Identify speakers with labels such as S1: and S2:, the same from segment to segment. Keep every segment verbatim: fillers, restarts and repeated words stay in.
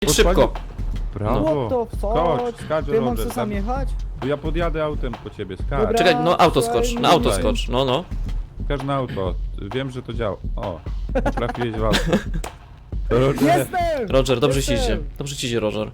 S1: Jedź szybko.
S2: Brawo.
S3: What the
S2: Skocz,
S3: fuck?
S2: skacz,
S3: Ty mam
S2: Roger.
S3: co sam jechać?
S2: To ja podjadę autem po ciebie, skacz.
S3: Dobra.
S1: Czekaj, no auto skocz, na auto
S2: Tutaj.
S1: skocz, no no.
S2: Skacz na auto. Wiem, że to działa. O, trafiłeś w auto. Roger.
S3: Jestem!
S1: Roger, dobrze ci
S3: Jestem!
S1: idzie. Dobrze ci idzie, Roger.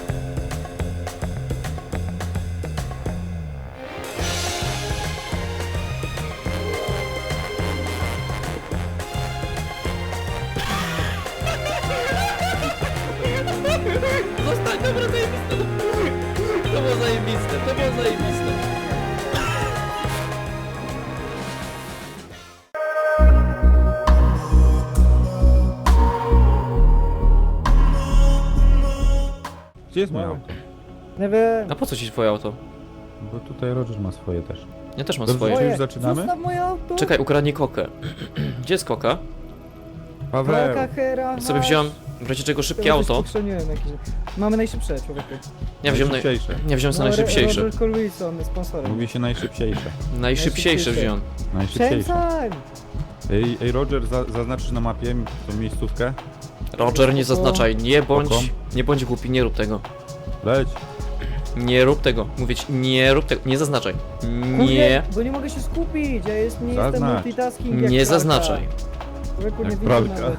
S1: Zostań, dobra, zajebiste. To było zajebiste, to było zajebiste.
S2: Gdzie jest moje auto?
S3: Nie wiem.
S1: A po co ci twoje auto?
S2: Bo tutaj Roger ma swoje też.
S1: Ja też mam
S2: Dobrze,
S1: swoje.
S2: czy już
S3: Moje.
S2: zaczynamy?
S3: Zostaw moje auto.
S1: Czekaj, ukradnie kokę. Gdzie jest koka?
S2: Paweł.
S3: Koka, hera,
S1: Sobie
S3: hasz.
S1: wziąłem, w razie czego szybkie
S3: Ja
S1: auto.
S3: usłyszeniłem jakieś. Mamy najszybsze, człowieku.
S1: Ja wziąłem, naj...
S2: Najszybciejsze.
S1: ja wziąłem sobie
S3: No,
S1: najszybciejsze.
S3: Roger Colwilson jest sponsorem.
S2: Mówi się najszybciejsze.
S1: Najszybciejsze
S3: najszybciejsze.
S1: wziąłem.
S2: Najszybciejsze.
S3: Przestań!
S2: Ej, ej Roger, za, zaznaczysz na mapie tą miejscówkę?
S1: Roger, nie zaznaczaj, nie bądź,
S2: Spoko.
S1: nie bądź głupi, nie rób tego.
S2: Leć.
S1: Nie rób tego, mówię ci, nie rób tego, nie zaznaczaj. Nie,
S3: Kurde, bo nie mogę się skupić, ja jest, nie jestem
S2: Zaznacz.
S3: multitasking jak
S1: nie
S3: pralka.
S1: zaznaczaj,
S3: Człowieku, nie
S2: Jak
S3: widzę
S2: pralka.
S3: nawet.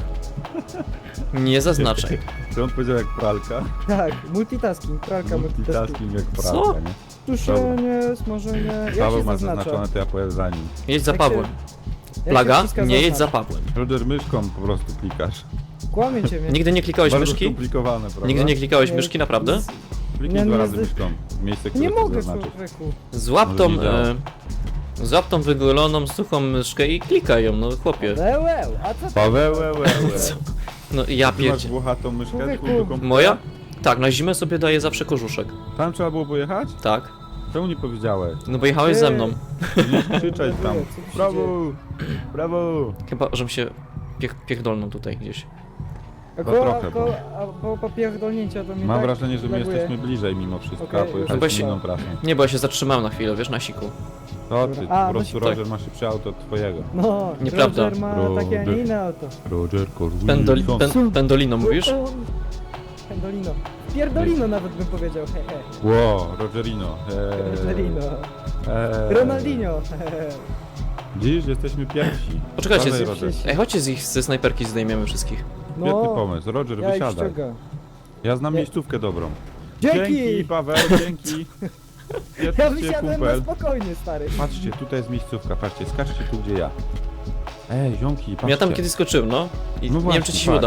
S1: nie zaznaczaj.
S2: To on powiedział jak pralka.
S3: Tak, multitasking, pralka multitasking.
S2: Multitasking jak pralka,
S1: Co?
S2: nie?
S3: Tuszenie, smażenie, jak
S2: Paweł
S3: się
S2: ma
S3: zaznacza?
S2: zaznaczone, to ja pojadę za nim.
S1: Jedź za
S3: Jak się-
S1: Pawłem.
S3: jak się
S1: Plaga,
S3: wciska
S1: nie jedź za
S3: zaznacz?
S1: Pawłem.
S2: Roger, myszką po prostu klikasz.
S3: Kłamiecie mnie.
S1: Nigdy nie klikałeś
S2: Bardzo
S1: myszki?
S2: skomplikowane, prawda?
S1: Nigdy nie klikałeś
S3: Nie,
S1: myszki, naprawdę?
S3: z-
S2: Kliknij
S3: Nie,
S2: dwa
S3: nie,
S2: razy
S3: z-
S2: myszką w miejsce, które
S3: Nie
S2: chcesz
S3: mogę,
S2: zaznaczyć.
S3: człowieku.
S1: Złap
S2: Może
S1: tą,
S2: nie działa.
S1: e, złap tą wyguloną, suchą myszkę i klikaj ją, no chłopie.
S3: Lełeł, a co ty?
S2: Paweł, łe, łe, łe.
S1: Co? No i ja
S2: Ty masz
S1: pierdzie.
S2: włochatą myszkę
S3: Człowieku.
S2: tu do komputera?
S1: Moja? Tak, na zimę sobie daję zawsze kożuszek.
S2: Tam trzeba było pojechać?
S1: Tak.
S2: Czemu nie powiedziałeś?
S1: No bo jechałeś ze mną.
S2: Nie krzyczeć tam.
S3: Co tu się
S2: Brawo!
S3: dzieje?
S2: Brawo!
S1: Chyba, żebym się piech, pierdolnął tutaj gdzieś.
S3: A
S2: No
S3: koło,
S2: trochę,
S3: koło, a po, po pierdolnięcia to mnie
S2: Mam
S3: tak
S2: wrażenie, że my
S3: laguje.
S2: jesteśmy bliżej mimo wszystko,
S3: Okej,
S2: a
S3: już
S2: pojechaliśmy
S1: Bo się-
S2: inną trasą.
S1: Nie, bo ja się zatrzymałem na chwilę, wiesz, na siku.
S2: To ty,
S3: A,
S2: po
S3: no
S2: prostu
S1: tak.
S2: Roger ma szybsze auto od twojego.
S3: No,
S1: Nieprawda.
S3: Roger ma
S2: Roger.
S3: takie, a nie inne auto.
S2: Roger Corwin.
S1: Pendoli, pen, pendolino mówisz?
S3: Pendolino. Pierdolino nawet bym powiedział, hehe.
S2: Ło, Rogerino. Eee,
S3: Rogerino.
S2: eee.
S3: Ronaldinho, hehe.
S2: Dziś jesteśmy pierwsi.
S1: Poczekajcie,
S2: Dawaj,
S1: z-
S2: Roger.
S1: Ej, chodźcie z ich ze snajperki zdejmiemy wszystkich.
S2: Świetny
S3: No,
S2: pomysł. Roger,
S3: ja ich
S2: wysiadaj.
S3: ściągam.
S2: Ja znam
S3: Nie.
S2: miejscówkę dobrą.
S3: Dzięki!
S2: Paweł, dzięki.
S3: Ja
S2: Świetnie,
S3: wysiadłem na
S2: kumpel.
S3: spokojnie, stary.
S2: Patrzcie, tutaj jest miejscówka, patrzcie, skaczcie tu, gdzie ja. Ej, ziomki, patrzcie.
S1: Ja tam kiedyś skoczyłem, no. I
S2: No
S1: nie
S2: właśnie,
S1: wiem, czy ci się
S2: tak.
S1: uda.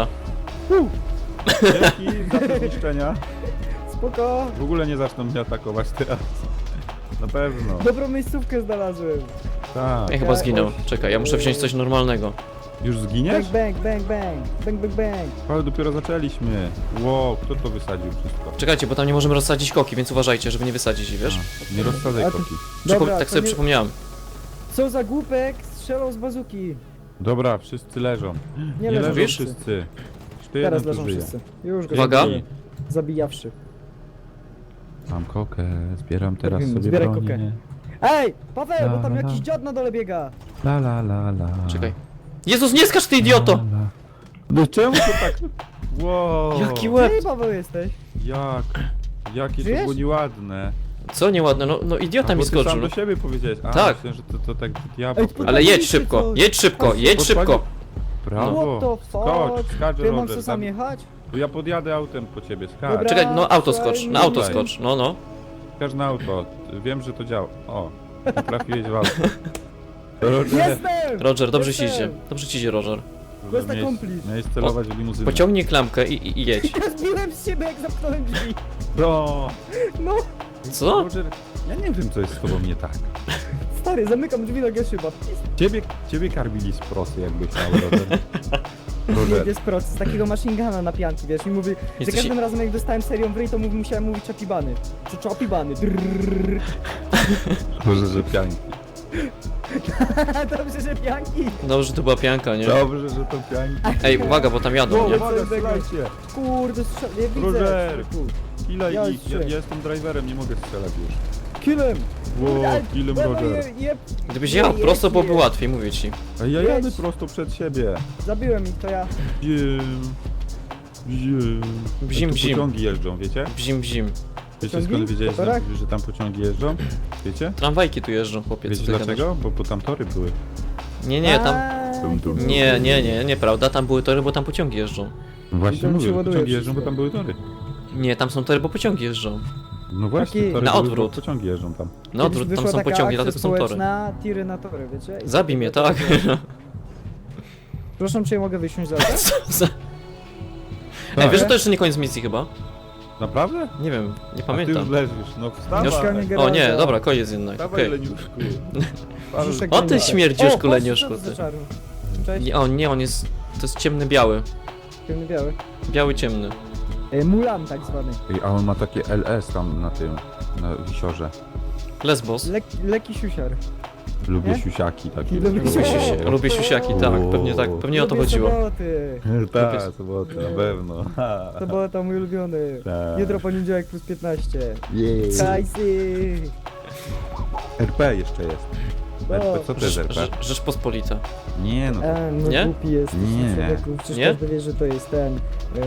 S2: Dzięki za te zniszczenia.
S3: Spoko.
S2: W ogóle nie zaczną mnie atakować teraz. Na pewno.
S3: Dobrą miejscówkę znalazłem.
S2: Tak.
S1: Ja chyba zginął. Czekaj, ja muszę wziąć coś normalnego.
S2: Już
S3: Bang,
S2: zginiesz?
S3: bang, bang, bang. Bang, bang, bang.
S2: Ale dopiero zaczęliśmy. Wow, kto to wysadził wszystko?
S1: Czekajcie, bo tam nie możemy rozsadzić koki, więc uważajcie, żeby nie wysadzić jej, wiesz?
S2: A, nie rozsadzaj
S3: A ty-
S2: koki.
S1: Przypo-
S3: Dobra,
S1: tak
S3: to
S1: sobie
S3: nie-
S1: przypomniałem.
S3: Co za głupek strzelał z bazuki.
S2: Dobra, wszyscy leżą.
S3: Nie,
S2: Nie
S3: leżą
S2: leżą
S3: wszyscy.
S2: wszyscy. Jeszcze
S3: Teraz
S2: jeden tu
S3: leżą
S2: żyje.
S3: wszyscy. Już go
S1: Uwaga.
S3: zabiję. Zabijawszy.
S2: Mam kokę, zbieram teraz
S3: Robimy,
S2: sobie
S3: zbieraj
S2: bronię.
S3: kokę. Ej, Paweł, bo
S2: La,
S3: tam
S2: la,
S3: jakiś
S2: la.
S3: dziad na dole biega.
S2: La la la la.
S1: Czekaj. Jezus, nie skacz ty idioto!
S2: La, la. No czemu to tak? Wow.
S1: Jaki łeb!
S3: Ty, Paweł, jesteś.
S2: Jak? Jakie to
S3: Żyjesz?
S2: było nieładne.
S1: Co nieładne, no, no idiota
S2: A,
S1: mi
S2: bo ty
S1: skoczył.
S2: sam
S1: No.
S2: do siebie powiedziałeś. A,
S1: Tak.
S2: myślę, że to, to tak diabeł.
S3: Ej,
S2: powiedział.
S1: Ale jedź
S3: Podpaliliście
S1: szybko,
S3: coś.
S1: jedź szybko, jedź szybko!
S2: Brawo.
S3: What the fuck?
S2: Skocz, skacz,
S3: Ty mam
S2: Roger.
S3: co sam
S2: Za-
S3: jechać?
S2: To ja podjadę autem po ciebie, skacz.
S3: Dobra.
S1: Czekaj, no auto skocz, na auto
S2: Tutaj.
S1: skocz, no no.
S2: Skacz na auto. Wiem, że to działa. O, trafiłeś w auto. Roger,
S3: Jestem!
S1: Roger, dobrze ci
S3: Jestem!
S1: idzie, dobrze ci idzie, Roger.
S3: Quest
S2: miałeś,
S3: accomplished.
S2: miałeś celować w limuzynę.
S1: Pociągnij klamkę i, i, i jedź.
S3: Ja zbiłem z siebie, jak zamknąłem drzwi.
S2: No.
S3: No,
S1: Co?
S2: Roger, ja nie wiem, co jest z tobą nie tak.
S3: stary, zamykam drzwi na Geszyba.
S2: Ciebie, ciebie karbili z prosy, jakbyś miał, Roger.
S3: Nie
S2: Roger.
S3: jest proces, takiego machine guna na pianki, wiesz, i mówi, za
S1: Jesteś-
S3: każdym razem jak dostałem serią w ryj, to mówi, musiałem mówić czapibany. Czy czapibany? Drrrr.
S2: Może, że pianki.
S3: Dobrze, że pianki.
S1: Dobrze, to była pianka, nie?
S2: Dobrze, że to pianki.
S1: Ej, uwaga, bo tam jadą,
S2: No,
S1: nie?
S2: uwaga, strzelajcie.
S3: Kurde, strzel... nie widzę.
S2: Roger.
S3: człowieku.
S2: Ile
S3: Ja
S2: ich? Ja,
S3: strzelam.
S2: ja jestem driverem, nie mogę strzelać już.
S3: Killem.
S2: Wow,
S3: Ale-
S2: killem
S3: ale
S2: Roger.
S3: je- je-
S1: Gdybyś
S3: je-
S1: jechał
S3: jedź,
S1: prosto, byłoby
S3: jedź.
S1: łatwiej, mówię ci.
S2: A ja
S3: Jedź.
S2: jadę prosto przed siebie.
S3: Zabiłem ich, to ja.
S2: Wiem. Bzim.
S1: Bzim,
S2: Tu
S1: bzim.
S2: pociągi jeżdżą, wiecie?
S1: Bzim, bzim.
S2: Wiecie
S3: Pociągi?
S2: skąd wiedziałeś, że,
S3: Motorach?
S2: że tam pociągi jeżdżą? Wiecie?
S1: Tramwajki tu jeżdżą, chłopie, co
S2: Wiecie
S1: ty gadasz?
S2: dlaczego? Bo, bo tam tory były.
S1: Nie, nie, tam...
S3: A,
S2: Dum, dum.
S1: Nie, nie, nie, nieprawda, tam były tory, bo tam pociągi jeżdżą.
S2: No właśnie
S3: tam się
S2: mówię, że
S3: ładuje
S2: pociągi jeżdżą, bo
S3: wszystko.
S2: tam były tory.
S1: Nie, tam są tory, bo pociągi jeżdżą.
S2: No właśnie,
S3: Taki-
S2: tory
S1: Na
S2: były,
S1: odwrót.
S2: bo pociągi jeżdżą tam.
S1: No
S3: Kiedyś
S1: odwrót, tam
S3: wyszła
S1: są
S3: taka
S1: pociągi,
S3: akcja
S1: dlatego są tory.
S3: społeczna, tiry na tory, wiecie? I
S1: Zabij mnie, tak?
S3: Proszę, czy ja mogę wysiąść z auta?
S1: Co za... Ej,
S2: Tak.
S1: wiesz, że to jeszcze nie koniec misji chyba?
S2: Naprawdę?
S1: Nie wiem, nie
S2: A ty
S1: pamiętam.
S2: już leżysz, no wstawaj.
S3: Mieszkanie
S1: O
S3: garaża.
S1: nie, dobra, koniec jednak,
S2: Wstawaj,
S1: okej.
S2: leniuszku.
S3: Brzuszek
S1: O ty
S3: gęba.
S1: śmierdziuszku,
S3: O,
S1: leniuszku,
S3: patrz, co to
S1: ty.
S3: za czarny. Cześć,
S1: Nie, o nie, on jest... To jest ciemny, biały.
S3: ciemny biały.
S1: Biały, ciemny.
S3: E, Mulan tak zwany.
S2: Ej, a on ma takie L S tam na tym, na wisiorze.
S1: Lesbos.
S3: Lek, leki siusiar.
S2: Lubię
S3: Nie?
S2: siusiaki takie.
S3: Lubię
S1: Lubię,
S3: siusiaki.
S1: siusi- lubię siusiaki, tak, pewnie tak, pewnie o to
S3: Lubię
S1: chodziło.
S3: soboty.
S2: Tak, sobotę, na pewno. Ha.
S3: Sobota mój ulubiony.
S2: Tak.
S3: Jutro poniedziałek plus piętnaście.
S2: Jej.
S3: Kajsy.
S2: R P jeszcze jest. R P, co to jest
S1: Rzecz,
S2: R P?
S1: Rzecz- Rzeczpospolita.
S2: Nie no.
S3: A, no
S1: Nie?
S3: głupi jesteś,
S2: Nie.
S3: człowieku. Przecież
S1: Nie?
S3: każdy wie, że to jest ten... Yy...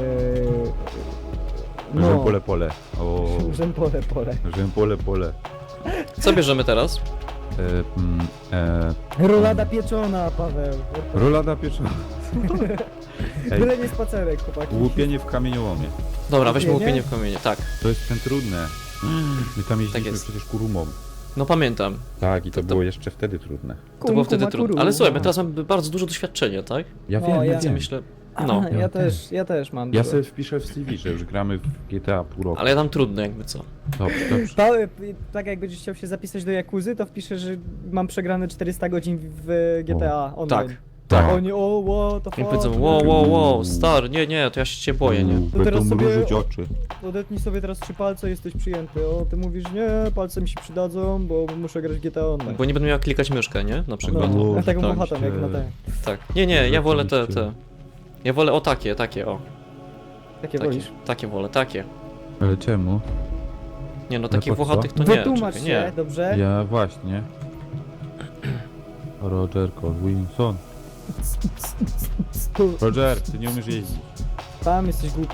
S2: No.
S3: No.
S2: Pole, pole. O.
S3: Rzępole, pole.
S2: Pole, pole.
S1: Co bierzemy teraz?
S2: E, mm, e,
S3: Rolada pieczona, Paweł.
S2: rolada pieczona. Ej,
S3: Byle nie spacerek, chłopaki.
S2: łupienie w kamieniołomie.
S1: Dobra, weźmy
S3: Łupienie?
S1: łupienie w kamienie, tak.
S2: To jest ten trudne. My tam jeździliśmy
S1: jest.
S2: przecież kurumą.
S1: No pamiętam.
S2: Tak, i to,
S1: To- to-
S2: było jeszcze wtedy trudne.
S1: To było wtedy
S3: Kum,
S1: trudne.
S3: kumakuru.
S1: Ale słuchaj, my teraz mamy bardzo dużo doświadczenia, tak?
S2: Ja
S3: No,
S2: wiem, ja
S3: ja-
S1: Więc
S2: wiem.
S1: myślę...
S3: No.
S1: No,
S3: Ja
S2: Ja
S3: też, ja też mam.
S2: Ja
S3: dużo.
S2: sobie wpiszę w C V, że już gramy w G T A pół roku.
S1: ale ja dam trudne jakby co.
S2: Dobrze, dobrze.
S3: Paweł, tak jak będziesz chciał się zapisać do Jakuzy, to wpiszę, że mam przegrane czterysta godzin w G T A online.
S1: Tak.
S2: Tak.
S3: Oni, o, what the
S1: I
S3: fuck.
S1: powiedzą, wow, wow, wow, star, nie, nie, to ja się cię boję, nie?
S2: Uuu,
S3: To teraz
S2: Będą
S3: sobie-
S2: mrużyć oczy.
S3: Odetnij sobie teraz trzy palce, jesteś przyjęty. O, ty mówisz, nie, palce mi się przydadzą, bo muszę grać w G T A online.
S1: Bo nie będę miał jak klikać myszkę, nie? Na
S3: No,
S1: przykład.
S2: Boże,
S3: ja taką
S2: tak
S3: bohatą, jak
S2: się-
S3: na te.
S1: Tak. Nie, nie, ja wolę te,
S2: Rzeczywiście.
S1: te. Ja wolę o takie, takie, o.
S3: Takie
S1: Takie,
S3: wolisz.
S1: takie wolę, takie.
S2: Ale czemu?
S1: Nie no,
S2: Ale
S1: takich
S2: po co?
S1: włochatych to nie,
S3: Wytłumacz
S1: czekaj,
S3: się,
S1: nie.
S3: dobrze?
S2: Ja właśnie. Roger Colwinson. Roger, ty nie umiesz jeździć.
S3: Tam jesteś głupi.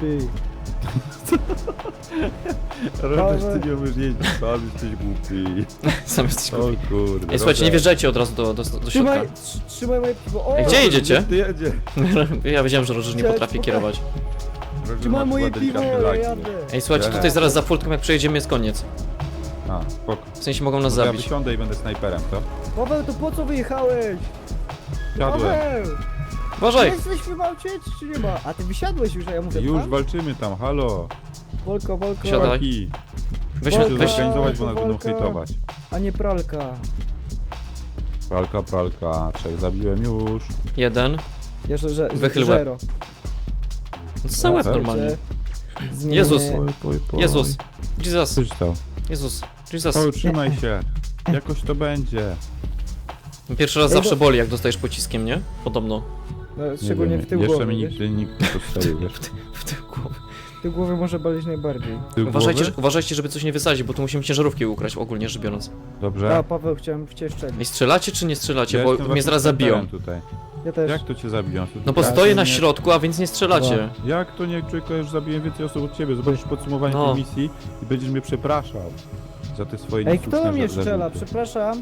S2: Roger, ty nie umiesz jeździć, sam jesteś głupi.
S1: Sam jesteś
S2: O
S1: głupi.
S2: kurde.
S1: Ej, słuchajcie, nie
S2: Roger.
S1: wjeżdżajcie od razu do, do, do środka.
S3: Trzymaj, tr- trzymaj moje piwo. O,
S1: Ej, gdzie jedziecie?
S2: Ty jedzie.
S1: Ja wiedziałem, że Roger nie
S3: Cześć,
S1: potrafi
S3: chłopaki.
S1: kierować.
S2: Roger
S3: trzymaj
S2: ma
S3: moje
S2: chyba
S3: piwo,
S2: delikatne
S3: ja
S2: laki.
S3: jadę.
S1: Ej, słuchajcie,
S2: Nie.
S1: tutaj zaraz za furtką jak przejedziemy jest koniec.
S2: A, spoko.
S1: W sensie mogą nas
S2: No to ja
S1: zabić.
S2: wysiądę i będę snajperem, to?
S3: Paweł, to po co wyjechałeś?
S2: Siadłem.
S3: Paweł!
S1: Uważaj!
S3: Jesteś w aucie, czy nie ma? A ty wysiadłeś już, a ja mówię,
S2: Już
S3: tam?
S2: walczymy tam, halo.
S3: Wolko, wolko.
S1: Siadaj.
S2: Chłopaki,
S1: Weźmy,
S2: Muszę
S1: weź,
S2: zorganizować, bo nas będą
S3: Walka.
S2: hejtować.
S3: A nie pralka.
S2: Pralka, pralka, trzech zabiłem już.
S1: jeden.
S3: Jeszcze, że,
S1: Wychyl łeb.
S3: zero.
S1: No sam łeb
S2: tak?
S1: normalnie.
S3: Zmienię-
S1: Jezus.
S2: Poj, poj, poj.
S1: Jezus. Jesus.
S2: Coś to.
S1: Jezus. Jesus.
S2: Paweł, trzymaj się. Jakoś to będzie.
S1: Pierwszy raz
S3: Ej,
S1: zawsze
S3: bo-
S1: boli, jak dostajesz pociskiem, nie? Podobno.
S3: No,
S2: Nie
S3: szczególnie
S2: wiem,
S3: w tył
S2: Jeszcze
S3: głowy,
S2: mi
S3: wiesz?
S2: nigdy nikt nie postrzelił, wiesz.
S1: W tył głowy.
S3: W tył głowy może boleć najbardziej.
S2: Tył
S1: Uważajcie,
S2: głowy?
S1: uważajcie, żeby coś nie wysadzić, bo tu musimy ciężarówki ukraść, ogólnie rzecz biorąc.
S2: Dobrze.
S3: A, Paweł, chciałem w cię
S1: Ej,
S3: szczelić.
S1: strzelacie czy nie strzelacie?
S2: Ja
S1: Bo
S2: jestem
S1: mnie
S2: waszym
S1: zaraz zabiją.
S2: snajperem tutaj.
S3: Ja też.
S2: Jak to cię zabiją?
S1: No bo
S2: Ja
S1: stoję
S2: się
S1: na
S2: nie-
S1: środku, a więc nie strzelacie.
S2: Jak to nie, człowieku, ja już zabiłem więcej osób od ciebie. Zobaczysz podsumowanie
S1: No.
S2: tej misji i będziesz mnie przepraszał za te swoje
S3: Ej,
S2: niesłuszne
S3: kto mnie
S2: za-
S3: strzela?
S2: zarzuty.
S3: Przepraszam.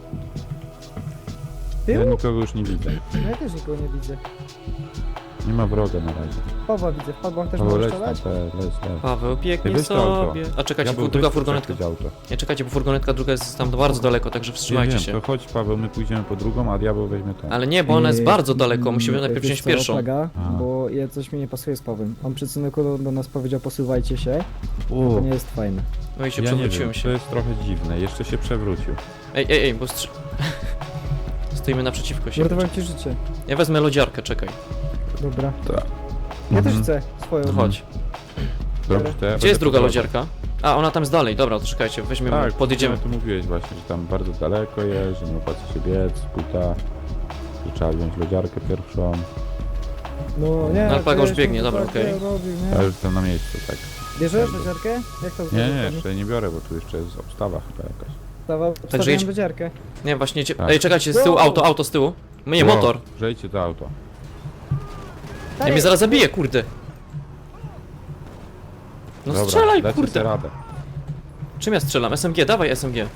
S2: Ja
S3: Tył?
S2: nikogo już nie widzę.
S3: No ja też nikogo nie widzę.
S2: Nie ma wroga na razie.
S3: Pawła widzę. W Pawła też
S2: Paweł,
S3: może
S2: leć tam,
S3: strzelać?
S2: te, leć, leć.
S1: Paweł biegnie
S2: Weź to auto.
S1: sobie. A czekajcie,
S2: Ja bym
S1: druga
S2: weź
S1: furgonetka.
S2: przechwyć auto.
S1: Nie czekajcie, bo furgonetka druga jest tam bardzo daleko, także
S2: Ja
S1: wstrzymajcie
S2: wiem,
S1: się.
S2: to chodź Paweł, my pójdziemy po drugą, a diabeł weźmie ten.
S1: Ale nie, bo ona jest
S3: Yy,
S1: bardzo daleko, musimy
S3: mm,
S1: najpierw
S3: wiesz
S1: wziąć
S3: co,
S1: pierwszą.
S3: Plaga,
S2: A.
S3: bo ja coś mi nie pasuje z Pawłem. On przed syneku do nas powiedział posuwajcie się. To
S2: O,
S3: nie jest fajne.
S1: No i się
S2: ja nie
S1: przewróciłem
S2: wiem, to
S1: się.
S2: jest trochę dziwne, jeszcze się przewrócił.
S1: Ej, ej, ej, bo strzy... Stoimy naprzeciwko siebie.
S3: Uratowałem ci życie.
S1: Ja wezmę lodziarkę, czekaj.
S3: Dobra.
S2: Tak.
S3: Ja
S2: Mhm.
S3: też chcę swoją.
S1: No chodź.
S2: Dobrze, to ja
S1: Gdzie
S2: będę
S1: jest druga
S2: prowadził.
S1: lodziarka? A, ona tam jest dalej, dobra, to czekajcie, weźmiemy,
S2: Tak,
S1: podjedziemy.
S2: no, tu mówiłeś właśnie, że tam bardzo daleko jest, że nie opłaca się biec, puta, że trzeba wziąć lodziarkę pierwszą.
S3: No nie.
S1: No, Plaga
S3: to
S1: już
S3: ja
S1: biegnie,
S3: jestem
S1: dobra,
S3: tak,
S1: okej.
S3: ja robię,
S2: Ja
S3: nie?
S2: już jestem na miejscu, tak.
S3: Bierzesz lodziarkę? Jak to
S2: Nie,
S3: zrobić?
S2: nie, jeszcze nie biorę, bo tu jeszcze jest obstawa chyba jakaś.
S3: Dawał,
S1: Także
S3: wstawiłem
S1: jedź-
S3: lodziarkę.
S1: Nie, właśnie, cie...
S2: Tak.
S1: ej, czekajcie, z tyłu
S3: Wow.
S1: auto, auto z tyłu. Nie,
S2: Wow,
S1: motor.
S2: Przejdźcie to auto.
S1: Ja mnie zaraz zabije, kurde. No
S2: Dobra,
S1: strzelaj,
S2: dacie
S1: kurde.
S2: sobie radę.
S1: Czym ja strzelam? S M G, dawaj S M G.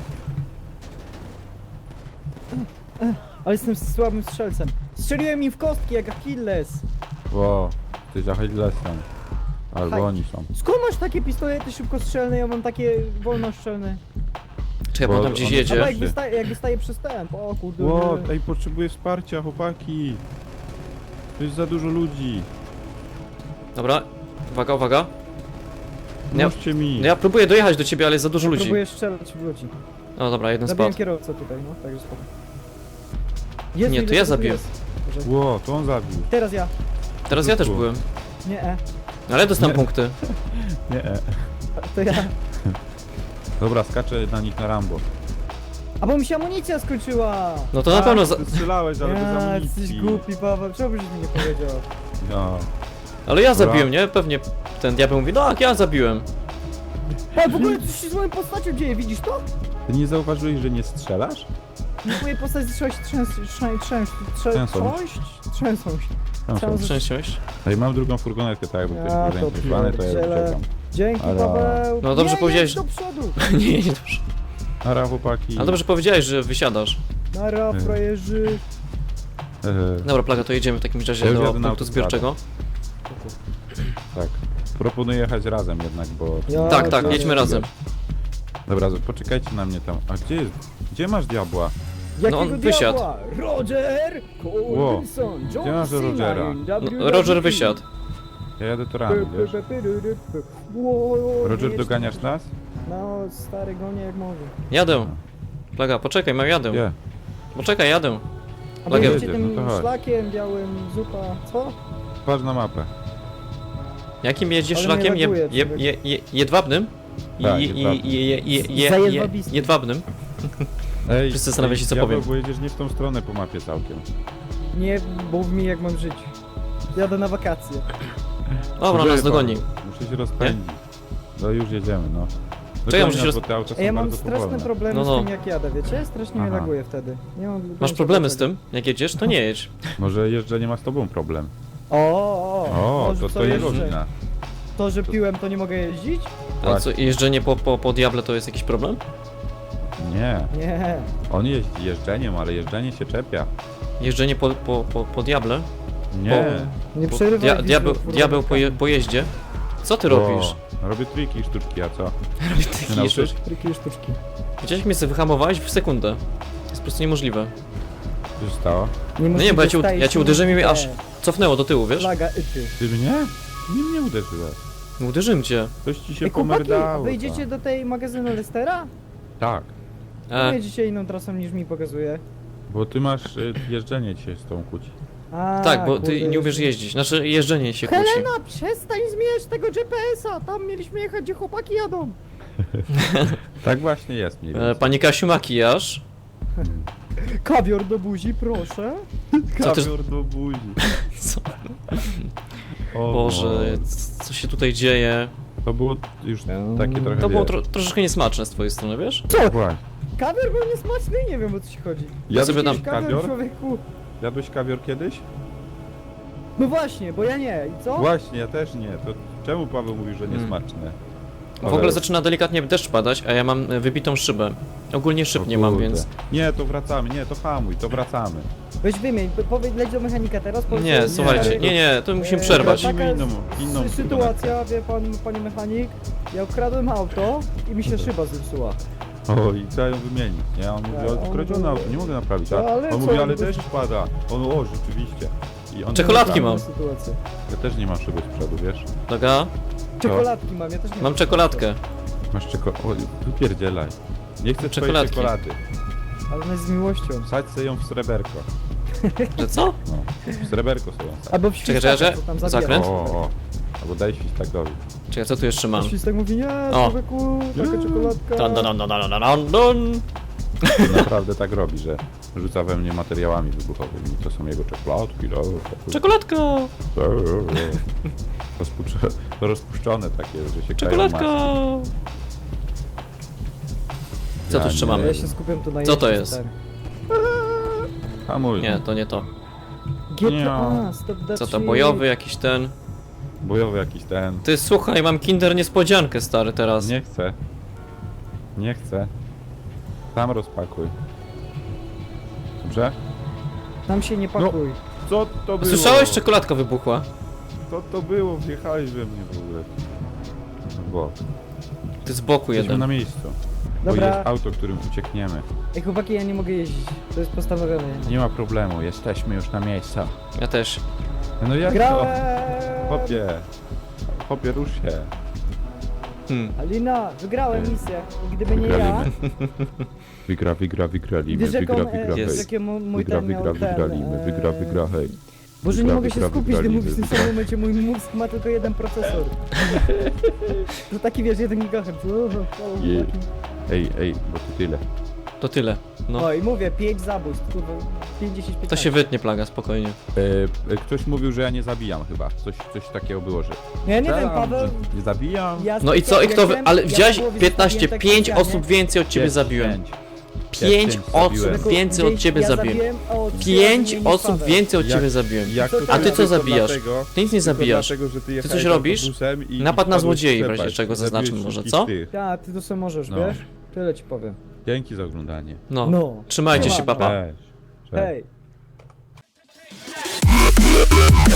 S3: Ale jestem słabym strzelcem. Strzeliłem im w kostki jak Achilles.
S2: Ło, ty Achillesem. Albo
S3: Haj.
S2: oni są.
S3: Skąd masz takie pistolety szybkostrzelne, ja mam takie wolnostrzelne.
S1: Czekaj, bo
S2: Bo
S1: on tam gdzieś
S2: on-
S3: Albo
S1: jedzie.
S3: jak wystaje, jak wystaje przystęp. O kurde.
S2: Ło, ej, potrzebuję wsparcia, chłopaki. Tu jest za dużo ludzi.
S1: Dobra, uwaga, uwaga. Ja-
S2: Pomóżcie mi.
S1: No ja próbuję dojechać do ciebie, ale jest za dużo ludzi.
S3: Próbuję strzelać w ludzi.
S1: No dobra, jeden
S3: Zabiłem
S1: spadł.
S3: kierowcę tutaj, no, także spoko. Jezu,
S1: Nie,
S3: ile
S1: to ja
S3: tego tu
S1: zabiłem.
S3: jest. Boże.
S2: Ło, to on zabił.
S3: Teraz ja.
S1: Teraz ja też
S2: Tu.
S1: byłem.
S3: Nie, e.
S1: Ale dostałem punkty.
S2: Nie, e.
S3: To ja.
S2: Dobra, skaczę na nich na Rambo.
S3: A bo mi się amunicja skończyła!
S1: No to na pewno za...
S2: Ty strzelałeś, ale bez
S3: Ja,
S2: amunicji.
S3: jesteś głupi, Paweł, czemu byś mi nie powiedział?
S2: No.
S1: Ale ja
S2: Dobra.
S1: zabiłem, nie? Pewnie ten diabeł mówi, no jak ja zabiłem.
S3: A w ogóle coś się z moją postacią dzieje, widzisz to?
S2: Ty nie zauważyłeś, że nie strzelasz?
S3: Moje postać zaczęła się trzęść, trzęść, trzęść,
S2: Trzęsą.
S3: trząść, trzęsą się.
S2: Tam są.
S3: Trzęsą.
S1: Szczęściłeś?
S2: No i mam drugą furgonetkę, tak jakby ktoś
S3: Ja
S2: był
S3: to
S2: zainteresowany, to ja już
S3: pierdzielę.
S2: czekam.
S3: Dzięki,
S2: Ale-
S3: Paweł.
S1: No dobrze
S3: nie,
S1: powiedziałeś,
S3: jedź do przodu.
S1: nie, nie, dobrze.
S2: Nara, chłopaki.
S1: Ale dobrze powiedziałeś, że wysiadasz.
S3: Nara,
S2: Nie.
S3: frajerzy.
S2: E,
S1: Dobra, Plaga, to jedziemy w takim razie
S2: Ja już
S1: do
S2: jadę na
S1: punktu
S2: autostradę.
S1: zbiorczego.
S2: tak. Proponuję jechać razem jednak, bo...
S3: Ja
S1: Tak, tak,
S3: to
S1: jedźmy
S3: nie-
S1: razem.
S2: Dobra, poczekajcie na mnie tam. A gdzie jest? Gdzie masz diabła?
S3: Jakiego
S1: No, on wysiadł.
S3: diabła? Roger! Coulson, John
S2: Gdzie masz
S3: Cena
S2: Rogera?
S3: in
S1: No, Roger wysiadł.
S2: Ja jadę torami, wiesz? Roger, doganiasz nas?
S3: No, stary, gonię jak mogę.
S1: Jadę. Plaga, poczekaj, mam jadę.
S2: Gdzie?
S1: Poczekaj, jadę.
S3: A
S1: Plaga,
S3: będziecie
S2: jedziesz,
S3: tym
S2: no to chodź.
S3: szlakiem białym, zupa, co?
S2: Patrz na mapę.
S1: Jakim jedziesz
S3: Ale
S1: szlakiem?
S3: mnie
S1: Je,
S3: laguje,
S1: je,
S3: człowiek.
S1: je, je, jedwabnym? I-
S2: Tak,
S1: i- i-
S2: jedwabnym.
S1: je- je- je- je-
S3: Za
S1: je-
S3: jedwabistym.
S1: Jedwabnym?
S2: Ej,
S1: Wszyscy zastanawiają się, co
S2: diabeł,
S1: powiem.
S2: bo jedziesz nie w tą stronę po mapie całkiem.
S3: Nie mów mi jak mam żyć. Jadę na wakacje.
S1: Dobra,
S2: Gdzie
S1: nas
S2: pan?
S1: dogoni.
S2: Muszę się rozpędzić. No już jedziemy, no.
S1: Czekaj,
S2: Dogoni
S1: muszę się
S2: nas,
S1: roz-
S2: bo te auta są
S3: Ej, ja mam
S2: bardzo
S3: straszne
S2: powolne.
S3: problemy
S1: No,
S3: z
S1: no.
S3: tym jak jadę, wiecie? Strasznie mnie
S2: Aha.
S3: laguje wtedy. Nie mam
S1: Masz problemy z tym? Jak jedziesz, to nie jedź.
S2: Może jeżdżenie ma z tobą problem.
S3: O, o,
S2: O,
S3: może
S2: to
S3: co
S2: to jego
S3: jeszcze?
S2: wina.
S3: To, że piłem, to nie mogę jeździć?
S1: A co, jeżdżenie po, po, po Diable to jest jakiś problem?
S2: Nie.
S3: Nie.
S2: On jeździ jeżdżeniem, ale jeżdżenie się czepia.
S1: Jeżdżenie po, po, po, po Diable?
S2: Nie.
S3: Nie
S1: Po,
S3: przerywaj.
S1: dia,
S3: mi
S1: diabeł,
S3: z
S1: diabeł po, je, po jeździe? Co ty robisz?
S2: O, robię triki, sztuczki, a co?
S1: Robisz
S2: Nie
S1: taki
S2: nauczysz?
S1: sztuczki.
S3: Triki i sztuczki.
S1: Widziałeś, mnie sobie wyhamowałeś w sekundę. To jest po prostu niemożliwe.
S2: Co się stało?
S3: Nie,
S1: No nie, bo ja cię,
S3: staje
S1: ja cię
S3: się
S1: uderzyłem i mnie
S3: te
S1: aż cofnęło do tyłu, wiesz?
S3: Flaga yty.
S2: Ty mnie? Nie mnie uderzyłeś.
S1: No uderzyłem cię.
S2: Coś ci się
S3: Ej, chłopaki, a
S2: pomerdało.
S3: wyjdziecie
S2: tam.
S3: do tej magazynu Lestera?
S2: Tak,
S1: E,
S3: Jedziecie inną trasą niż mi pokazuje.
S2: bo ty masz y, jeżdżenie ci się z tą kłóci.
S3: A,
S1: tak, bo
S3: kurde,
S1: ty nie umiesz jeździć. Znaczy, jeżdżenie się kłóci.
S3: Helena, przestań zmieniać tego G P S-a! Tam mieliśmy jechać, gdzie chłopaki jadą.
S2: Tak właśnie jest mniej
S1: E,
S2: więcej.
S1: Pani Kasiu, makijaż.
S3: Kawior do buzi, proszę.
S1: Co ty...
S2: Kawior do buzi.
S1: Co?
S2: O
S1: Boże, c- co się tutaj dzieje?
S2: To było już takie trochę.
S1: To było
S2: wiesz.
S1: tro troszeczkę niesmaczne z twojej strony, wiesz?
S3: Co?
S2: Właśnie.
S3: Kawior był niesmaczny i nie wiem o co ci chodzi.
S2: Jadłeś
S1: sobie tam-
S3: Kawior,
S2: kawior?
S3: człowieku.
S2: Jadłeś kawior kiedyś?
S3: No właśnie, bo ja nie. I co?
S2: Właśnie, ja też nie. To czemu Paweł mówi, że
S1: Hmm.
S2: niesmaczne?
S1: W ogóle zaczyna delikatnie deszcz padać, a ja mam e, wybitą szybę. Ogólnie szyb nie mam, więc...
S2: Nie, to wracamy, nie, to hamuj, to wracamy.
S3: Weź wymień, po- powiedz, leć do mechanika teraz. powiedz,
S1: Nie,
S3: że-
S1: słuchajcie, nie, nie, to musimy
S3: Eee,
S1: przerwać.
S3: Taka jest
S2: Inną- inną
S3: sy- sytuacja, wie pan, panie mechanik. Ja ukradłem auto i mi się szyba zepsuła.
S2: O, i trzeba ją wymienić, nie? On mówi,
S3: Tak,
S2: o,
S3: on
S2: skradzione
S3: był-
S2: auto, nie mogę naprawić. A
S3: No, ale
S2: on
S3: co,
S2: mówi, ale
S3: on był-
S2: deszcz pada. On, o, rzeczywiście. I on
S1: Czekoladki
S2: nie
S1: mam.
S2: naprawi.
S3: Sytuacja.
S2: Ja też nie mam szyby z przodu, wiesz?
S1: Dobra,
S3: Czekoladki mam, ja też nie
S1: mam czekoladkę.
S2: Masz czekoladę. O, wypierdzielaj. Nie chcę twojej
S1: Czekoladki.
S2: czekolady.
S3: Ale ona jest z miłością.
S2: Wsadź sobie ją w sreberko.
S1: Że co?
S2: No, w sreberko sobie ją wsadź.
S3: Albo w
S1: Czekaj,
S3: świstaka,
S1: czekaj,
S3: co tam
S1: czekaj.
S3: zabiera.
S1: Zakręt?
S2: O, o. Albo daj świstakowi.
S1: Czekaj, co tu jeszcze mam?
S3: Świstak mówi, nie,
S1: O.
S3: człowieku, taka czekoladka.
S1: Dun, dun, dun, dun, dun, dun, dun.
S2: Naprawdę tak robi, że rzuca we mnie materiałami wybuchowymi. To są jego czekoladki. No,
S1: Czekoladka!
S2: Rozpuszczone, rozpuszczone takie, że się
S1: Czekoladka!
S2: krają masy.
S1: Co tu
S2: Ja
S1: jeszcze
S2: nie.
S1: mamy?
S3: Ja się skupiam tu na
S1: Co to
S3: jeździe,
S1: jest?
S3: stary.
S2: Hamuj.
S1: Nie, to nie to.
S3: G T A, stop that
S1: Co to,
S3: shit.
S1: bojowy jakiś ten?
S2: bojowy jakiś ten.
S1: Ty słuchaj, mam kinder niespodziankę stary teraz.
S2: Nie chcę. Nie chcę. Sam rozpakuj. Dobrze?
S3: Tam się nie pakuj.
S2: Co to było?
S1: Słyszałeś? Czekoladka wybuchła.
S2: Co to było? Wjechałeś we mnie w ogóle. Bo
S1: Ty z boku
S2: jesteśmy
S1: jeden.
S2: na miejscu.
S3: Dobra.
S2: Bo jest auto, którym uciekniemy.
S3: Ej, chłopaki, ja nie mogę jeździć. To jest postanowione.
S2: Nie ma problemu, jesteśmy już na miejscu.
S1: Ja też.
S2: No jak to?
S3: Grałem!
S2: Hopie. Hopie, rusz się.
S1: Hmm.
S3: Alina, wygrałem
S2: Ej.
S3: misję. I gdyby nie ja...
S2: Wygraliśmy. Wygra, wygra, wygraliśmy.
S3: Wiesz jaką,
S2: Wygra,
S3: e,
S2: wygra,
S1: Jest.
S3: wiesz,
S2: hej.
S3: jakie mu- mój
S2: Wygra,
S3: ten miał
S2: wygra,
S3: ten,
S2: wygraliśmy. Wygra,
S3: e,
S2: wygra, hej.
S3: Boże, nie
S2: Wygra,
S3: mogę się
S2: wygra,
S3: skupić, gdy
S2: wygrali,
S3: mówisz w tym
S2: wygra.
S3: samym momencie. Mój mózg ma tylko jeden procesor. To taki, wiesz, jeden gigahertz. O, o,
S2: Je-
S3: chłopaki.
S2: Ej, ej, bo to tyle.
S1: To tyle. No.
S3: No i mówię, pięć zabójstw, kurwa, pięćdziesiąt,
S1: To
S3: piętnaście.
S1: się wytnie plaga, spokojnie.
S2: E, e, ktoś mówił, że ja nie zabijam chyba. Coś, coś takiego było, że...
S3: Ja nie wiem,
S2: Strzelam,
S3: Paweł.
S2: że Nie zabijam.
S3: Ja
S1: No i co, i kto wy...
S3: jestem-
S1: Ale
S3: ja
S1: widziałeś
S3: na połowie
S1: piętnaście,
S3: zostawiłem
S1: pięć
S3: tak
S1: osób więcej od ciebie
S2: Pięć,
S1: zabiłem.
S2: pięć.
S1: Pięć
S2: pięć
S1: osób
S2: zabiłem.
S1: więcej od ciebie
S3: ja
S1: zabiłem.
S3: zabiłem, o, trzy
S1: Pięć
S3: razy mniej niż
S1: osób
S3: Paweł.
S1: więcej od
S2: Jak-
S1: ciebie zabiłem.
S2: Jak
S3: Co
S2: to
S3: ty-
S1: A ty co
S2: tylko
S1: zabijasz?
S2: Dlatego,
S1: Ty nic nie
S2: tylko
S1: zabijasz.
S2: Dlatego, że ty,
S1: coś
S2: jechałeś
S1: robisz?
S2: autobusem i,
S1: Napad
S2: i
S1: na
S2: wpadłeś
S1: złodziei
S2: w
S1: w razie
S2: przepaść.
S1: czego
S2: Zabiłeś
S1: zaznaczmy może,
S2: wszystkich
S1: co?
S2: tych.
S3: Tak, ty to co możesz,
S2: No.
S3: wiesz? Tyle ci powiem.
S2: Dzięki za oglądanie.
S1: No.
S3: No.
S1: Trzymajcie się,
S3: Siema.
S1: papa.
S2: Cześć. Cześć.
S3: Hej.